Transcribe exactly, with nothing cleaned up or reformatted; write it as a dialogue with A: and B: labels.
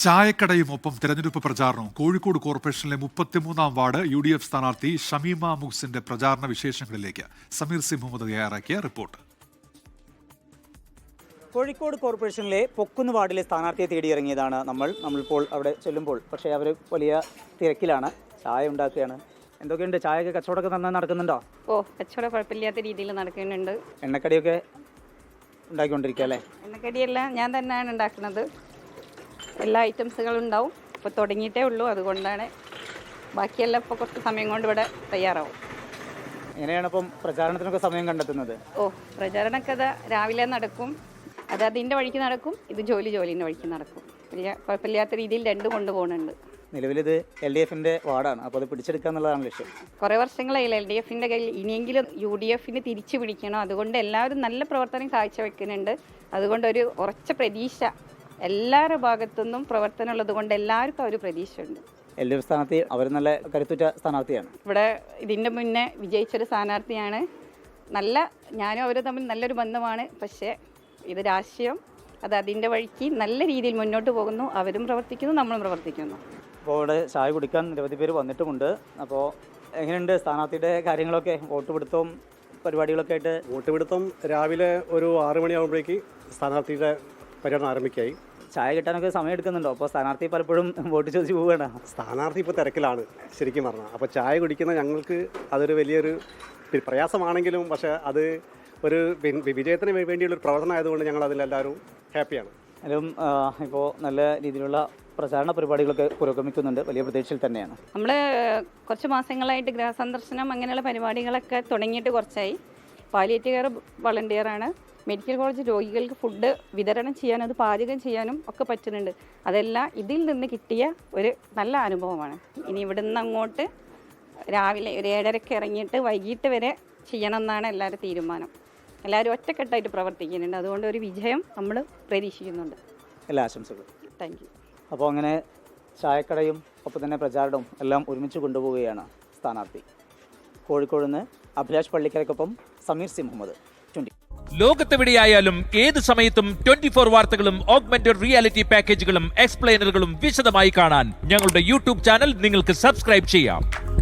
A: ചായക്കടയും ഒപ്പം തെരഞ്ഞെടുപ്പ് പ്രചാരണവും. കോഴിക്കോട് കോർപ്പറേഷനിലെ മുപ്പത്തിമൂന്നാം വാർഡ് യു ഡി എഫ് സ്ഥാനാർത്ഥി ഷമീമ മുഹ്സിന്റെ പ്രചാരണ വിശേഷങ്ങളിലേക്ക് സമീർ സി മുഹമ്മദ് തയ്യാറാക്കിയ റിപ്പോർട്ട്.
B: കോഴിക്കോട് കോർപ്പറേഷനിലെ പൊക്കുന്ന് വാർഡിലെ സ്ഥാനാർത്ഥിയെ തേടിയിറങ്ങിയതാണ് നമ്മൾ നമ്മളിപ്പോൾ അവിടെ ചെല്ലുമ്പോൾ. പക്ഷേ അവർ വലിയ തിരക്കിലാണ്, ചായ ഉണ്ടാക്കുകയാണ്. എന്തൊക്കെയുണ്ട്, ചായയൊക്കെ കച്ചവടമൊക്കെ നന്നായി നടക്കുന്നുണ്ടോ?
C: ഓ, കച്ചവടം കുഴപ്പമില്ലാത്ത രീതിയിൽ നടക്കുന്നുണ്ട്.
B: എണ്ണക്കടിയൊക്കെ ഉണ്ടാക്കിക്കൊണ്ടിരിക്കുക അല്ലേ?
C: എണ്ണക്കടിയെല്ലാം ഞാൻ തന്നെയാണ് ഉണ്ടാക്കുന്നത്. എല്ലാ ഐറ്റംസുകളും ഉണ്ടാവും. ഇപ്പോൾ തുടങ്ങിയിട്ടേ ഉള്ളൂ, അതുകൊണ്ടാണ്. ബാക്കിയെല്ലാം ഇപ്പോൾ കുറച്ച് സമയം കൊണ്ട് ഇവിടെ തയ്യാറാവും.
B: എങ്ങനെയാണ് ഇപ്പം പ്രചാരണത്തിനൊക്കെ സമയം കണ്ടെത്തുന്നത്?
C: ഓ, പ്രചാരണക്കഥ രാവിലെ നടക്കും, അത് അതിൻ്റെ വഴിക്ക് നടക്കും, ഇത് ജോലി ജോലിൻ്റെ വഴിക്ക് നടക്കും. വലിയ കുഴപ്പമില്ലാത്ത രീതിയിൽ രണ്ടും കൊണ്ടുപോകുന്നുണ്ട്.
B: നിലവിലിത് എൽ ഡി എഫിൻ്റെ വാർഡാണ്, അപ്പോൾ അത് പിടിച്ചെടുക്കുക എന്നുള്ളതാണ് ലക്ഷ്യം.
C: കുറേ വർഷങ്ങളായില്ല എൽ ഡി എഫിൻ്റെ കയ്യിൽ, ഇനിയെങ്കിലും യു ഡി എഫിന് തിരിച്ചു പിടിക്കണം. അതുകൊണ്ട് എല്ലാവരും നല്ല പ്രവർത്തനം കാഴ്ചവെക്കുന്നുണ്ട്. അതുകൊണ്ടൊരു ഉറച്ച പ്രതീക്ഷ എല്ലാവരുടെ ഭാഗത്തുനിന്നും പ്രവർത്തനം ഉള്ളത് കൊണ്ട് എല്ലാവർക്കും ഒരു പ്രതീക്ഷയുണ്ട്.
B: എൽ ഡി എഫ് സ്ഥാനാർത്ഥി അവർ നല്ല കരുത്തുറ്റ സ്ഥാനാർത്ഥിയാണ്.
C: ഇവിടെ ഇതിൻ്റെ മുന്നേ വിജയിച്ചൊരു സ്ഥാനാർത്ഥിയാണ്. നല്ല ഞാനും അവരും തമ്മിൽ നല്ലൊരു ബന്ധമാണ്. പക്ഷേ ഇത് രാഷ്ട്രീയം, അത് അതിൻ്റെ വഴിക്ക് നല്ല രീതിയിൽ മുന്നോട്ട് പോകുന്നു. അവരും പ്രവർത്തിക്കുന്നു, നമ്മളും പ്രവർത്തിക്കുന്നു.
B: അപ്പോൾ ഇവിടെ ചായ കുടിക്കാൻ നിരവധി പേര് വന്നിട്ടുമുണ്ട്. അപ്പോൾ എങ്ങനെയുണ്ട് സ്ഥാനാർത്ഥിയുടെ കാര്യങ്ങളൊക്കെ? വോട്ട് പിടുത്തവും പരിപാടികളൊക്കെ ആയിട്ട്?
D: വോട്ട് പിടുത്തം രാവിലെ ഒരു ആറ് മണിയാകുമ്പോഴേക്ക് സ്ഥാനാർത്ഥിയുടെ പര്യടനം ആരംഭിക്കായി.
B: ചായ കിട്ടാനൊക്കെ സമയം എടുക്കുന്നുണ്ടോ? അപ്പോൾ സ്ഥാനാർത്ഥി പലപ്പോഴും വോട്ട് ചോദിച്ച് പോവുകയാണ്.
D: സ്ഥാനാർത്ഥി ഇപ്പോൾ തിരക്കിലാണ് ശരിക്കും പറഞ്ഞാൽ. അപ്പോൾ ചായ കുടിക്കുന്ന ഞങ്ങൾക്ക് അതൊരു വലിയൊരു പ്രയാസമാണെങ്കിലും, പക്ഷേ അത് ഒരു വിജയത്തിന് വേണ്ടിയുള്ളൊരു പ്രവർത്തനം ആയതുകൊണ്ട് ഞങ്ങൾ അതിലെല്ലാവരും ഹാപ്പിയാണ്.
B: അതിലും ഇപ്പോൾ നല്ല രീതിയിലുള്ള പ്രചാരണ പരിപാടികളൊക്കെ പുരോഗമിക്കുന്നുണ്ട്. വലിയ പ്രതീക്ഷയിൽ തന്നെയാണ്.
C: നമ്മൾ കുറച്ച് മാസങ്ങളായിട്ട് ഗൃഹസന്ദർശനം അങ്ങനെയുള്ള പരിപാടികളൊക്കെ തുടങ്ങിയിട്ട് കുറച്ചായി. പാലിയേറ്റീവ് കെയർ വളണ്ടിയറാണ്. മെഡിക്കൽ കോളേജ് രോഗികൾക്ക് ഫുഡ് വിതരണം ചെയ്യാനും അത് പാചകം ചെയ്യാനും ഒക്കെ പറ്റുന്നുണ്ട്. അതെല്ലാം ഇതിൽ നിന്ന് കിട്ടിയ ഒരു നല്ല അനുഭവമാണ്. ഇനി ഇവിടെ നിന്ന് അങ്ങോട്ട് രാവിലെ ഒരു ഏഴരയ്ക്ക് ഇറങ്ങിയിട്ട് വൈകിട്ട് വരെ ചെയ്യണമെന്നാണ് എല്ലാവരും തീരുമാനം. എല്ലാവരും ഒറ്റക്കെട്ടായിട്ട് പ്രവർത്തിക്കുന്നുണ്ട്. അതുകൊണ്ട് ഒരു വിജയം നമ്മൾ പ്രതീക്ഷിക്കുന്നുണ്ട്.
B: എല്ലാ ആശംസകളും.
C: Thank you.
B: അപ്പോൾ അങ്ങനെ ചായക്കടയും ഒപ്പം തന്നെ പ്രചാരണവും എല്ലാം ഒരുമിച്ച് കൊണ്ടുപോവുകയാണ് സ്ഥാനാർത്ഥി. കോഴിക്കോട് നിന്ന് അഭിലാഷ് പള്ളിക്കരയ്ക്കൊപ്പം സമീർ സി മുഹമ്മദ്, ട്വന്റി.
E: ലോകത്തെവിടെയായാലും ഏത് സമയത്തും ട്വന്റി ഫോർ വാർത്തകളും ഓഗ്മെന്റഡ് റിയാലിറ്റി പാക്കേജുകളും എക്സ്പ്ലെയിനറുകളും വിശദമായി കാണാൻ ഞങ്ങളുടെ യൂട്യൂബ് ചാനൽ നിങ്ങൾക്ക് സബ്സ്ക്രൈബ് ചെയ്യാം.